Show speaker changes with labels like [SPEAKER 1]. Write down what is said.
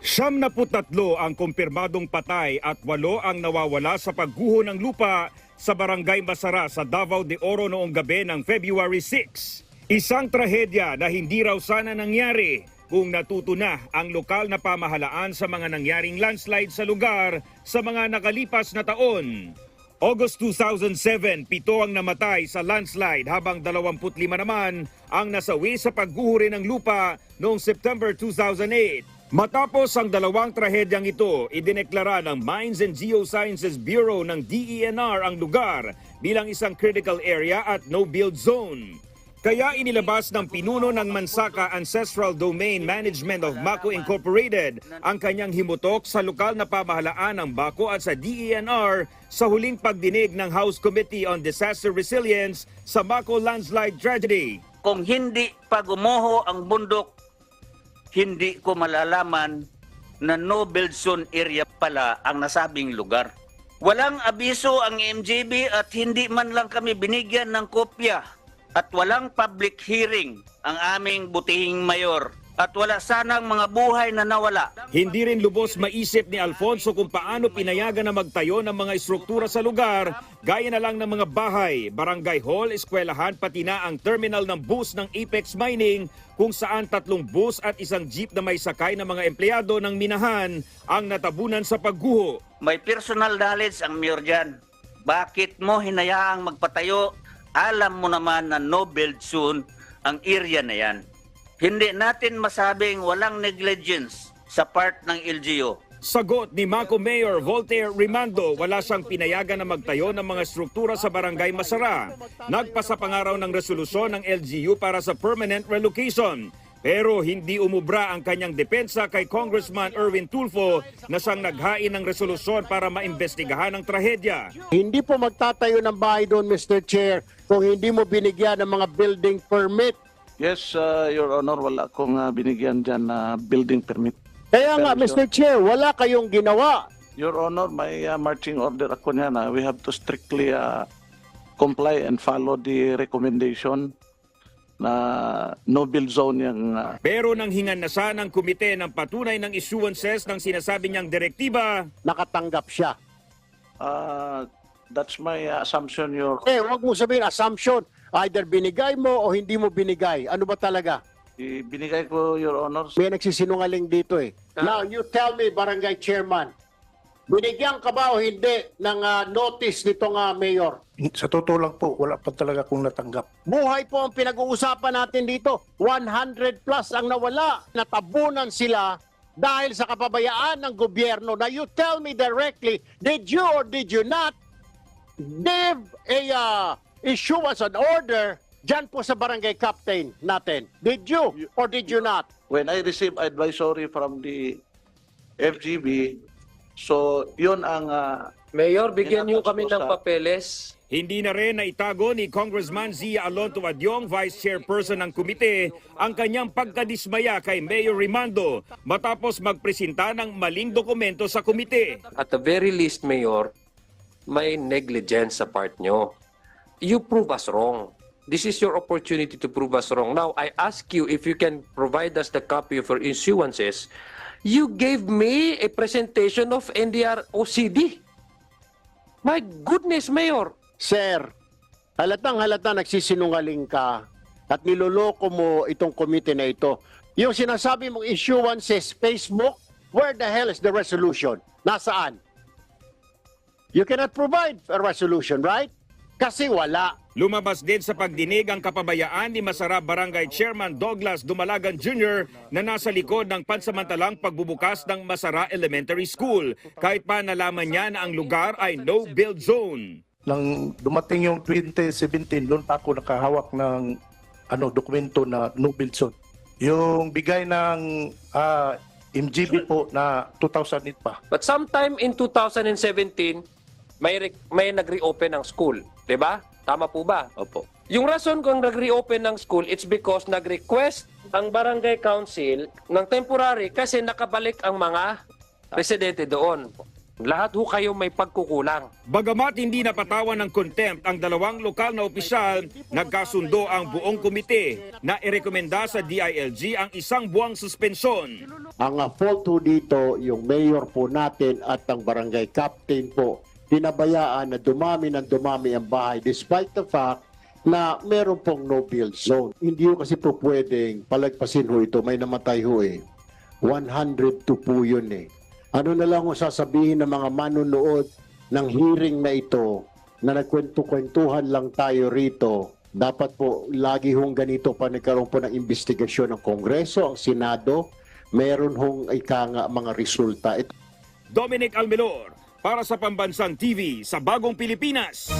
[SPEAKER 1] 73 ang kumpirmadong patay at 8 ang nawawala sa pagguho ng lupa sa Barangay Masara sa Davao de Oro noong gabi ng February 6. Isang trahedya na hindi raw sana nangyari kung natuto na ang lokal na pamahalaan sa mga nangyaring landslide sa lugar sa mga nakalipas na taon. August 2007, 7 ang namatay sa landslide habang 25 naman ang nasawi sa pagguho rin ng lupa noong September 2008. Matapos ang dalawang trahedyang ito, idineklara ng Mines and Geosciences Bureau ng DENR ang lugar bilang isang critical area at no-build zone. Kaya inilabas ng pinuno ng Mansaka Ancestral Domain Management of Mako Incorporated ang kanyang himutok sa lokal na pamahalaan ng Baco at sa DENR sa huling pagdinig ng House Committee on Disaster Resilience sa Mako landslide tragedy.
[SPEAKER 2] Kung hindi pa gumuho ang bundok, hindi ko malalaman na no-build zone area pala ang nasabing lugar. Walang abiso ang MJB at hindi man lang kami binigyan ng kopya at walang public hearing ang aming butihing mayor at wala sanang mga buhay na nawala.
[SPEAKER 1] Hindi rin lubos maisip ni Alfonso kung paano pinayagan na magtayo ng mga estruktura sa lugar gaya na lang ng mga bahay, barangay hall, eskwelahan pati na ang terminal ng bus ng Apex Mining kung saan 3 bus at isang jeep na may sakay ng mga empleyado ng minahan ang natabunan sa pagguho.
[SPEAKER 2] May personal knowledge ang mayor dyan. Bakit mo hinayaang magpatayo? Alam mo naman na no-build zone ang area na yan. Hindi natin masabing walang negligence sa part ng LGU.
[SPEAKER 1] Sagot ni Mako Mayor Voltaire Rimando, wala siyang pinayagan na magtayo ng mga struktura sa Barangay Masara. Nagpasa pangaraw ng resolusyon ng LGU para sa permanent relocation. Pero hindi umubra ang kanyang depensa kay Congressman Erwin Tulfo na siyang naghain ng resolusyon para maimbestigahan ang trahedya.
[SPEAKER 3] Hindi po magtatayo ng bahay doon, Mr. Chair, kung hindi mo binigyan ng mga building permit.
[SPEAKER 4] Yes, Your Honor, wala akong binigyan dyan na building permit.
[SPEAKER 3] Kaya nga, Mr. Chair, wala kayong ginawa.
[SPEAKER 4] Your Honor, may marching order ako niya na we have to strictly comply and follow the recommendation na no-build zone yung...
[SPEAKER 1] Pero nang hingan na siya ng komite ng patunay ng issuances ng sinasabi niyang direktiba,
[SPEAKER 3] Nakatanggap siya.
[SPEAKER 4] That's my assumption, Your...
[SPEAKER 3] Huwag mo sabihin assumption. Either binigay mo o hindi mo binigay. Ano ba talaga?
[SPEAKER 4] Binigay ko, Your Honor.
[SPEAKER 3] May nagsisinungaling dito eh. Now, you tell me, Barangay Chairman, binigyan ka ba o hindi ng notice nitong mayor?
[SPEAKER 5] Sa totoo lang po, wala pa talaga akong natanggap.
[SPEAKER 3] Buhay po ang pinag-uusapan natin dito. 100 plus ang nawala. Natabunan sila dahil sa kapabayaan ng gobyerno. Now, you tell me directly, did you or did you not give a issuance an order dyan po sa barangay captain natin? Did you or did you not?
[SPEAKER 4] When I received advisory from the FGB, so yun ang...
[SPEAKER 6] Mayor, bigyan niyo kami ng
[SPEAKER 4] sa-
[SPEAKER 6] papeles.
[SPEAKER 1] hindi na rin naitago ni Congressman Zia Alonto Adyong, Vice Chairperson ng komite, ang kanyang pagkadismaya kay Mayor Rimando matapos magpresenta ng maling dokumento sa komite.
[SPEAKER 6] At the very least, Mayor, may negligence sa part nyo. You prove us wrong. This is your opportunity to prove us wrong. Now, I ask you if you can provide us the copy of your issuances. You gave me a presentation of NDR OCD. My goodness, Mayor.
[SPEAKER 3] Sir, halata nagsisinungaling ka at niloloko mo itong komite na ito. Yung sinasabi mong issuances, Facebook, where the hell is the resolution? Nasaan? You cannot provide a resolution, right? Kasi wala.
[SPEAKER 1] Lumabas din sa pagdinig ang kapabayaan ni Masara Barangay Chairman Douglas Dumalagan Jr. na nasa likod ng pansamantalang pagbubukas ng Masara Elementary School kahit pa nalaman niya na ang lugar ay no-build zone.
[SPEAKER 5] Nang dumating yung 2017, doon pa ako nakahawak ng dokumento na no-build zone. Yung bigay ng MGB po na 2008 pa.
[SPEAKER 6] But sometime in 2017, may nag-reopen ng school. Diba? Tama po ba?
[SPEAKER 4] Opo.
[SPEAKER 6] Yung rason kung nag-reopen ng school, it's because nag-request ang barangay council ng temporary kasi nakabalik ang mga residente doon. Lahat ho kayo may pagkukulang.
[SPEAKER 1] Bagamat hindi napatawan ng contempt ang dalawang lokal na opisyal, nagkasundo ang buong komite na irekomenda sa DILG ang 1 buwang suspensyon.
[SPEAKER 3] Ang fault ho dito, yung mayor po natin at ang barangay captain po, pinabayaan na dumami ng dumami ang bahay despite the fact na meron pong no-build zone. Hindi ho kasi po pwedeng palagpasin ho ito, may namatay ho eh. 102 po yun eh. Ano na lang ho sasabihin ng mga manunood ng hearing na ito na nagkwento-kwentuhan lang tayo rito. Dapat po lagi hong ganito pa nagkaroon po ng investigasyon ng Kongreso, ang Senado, meron hong mga resulta.
[SPEAKER 1] Dominic Almelor para sa Pambansang TV sa Bagong Pilipinas.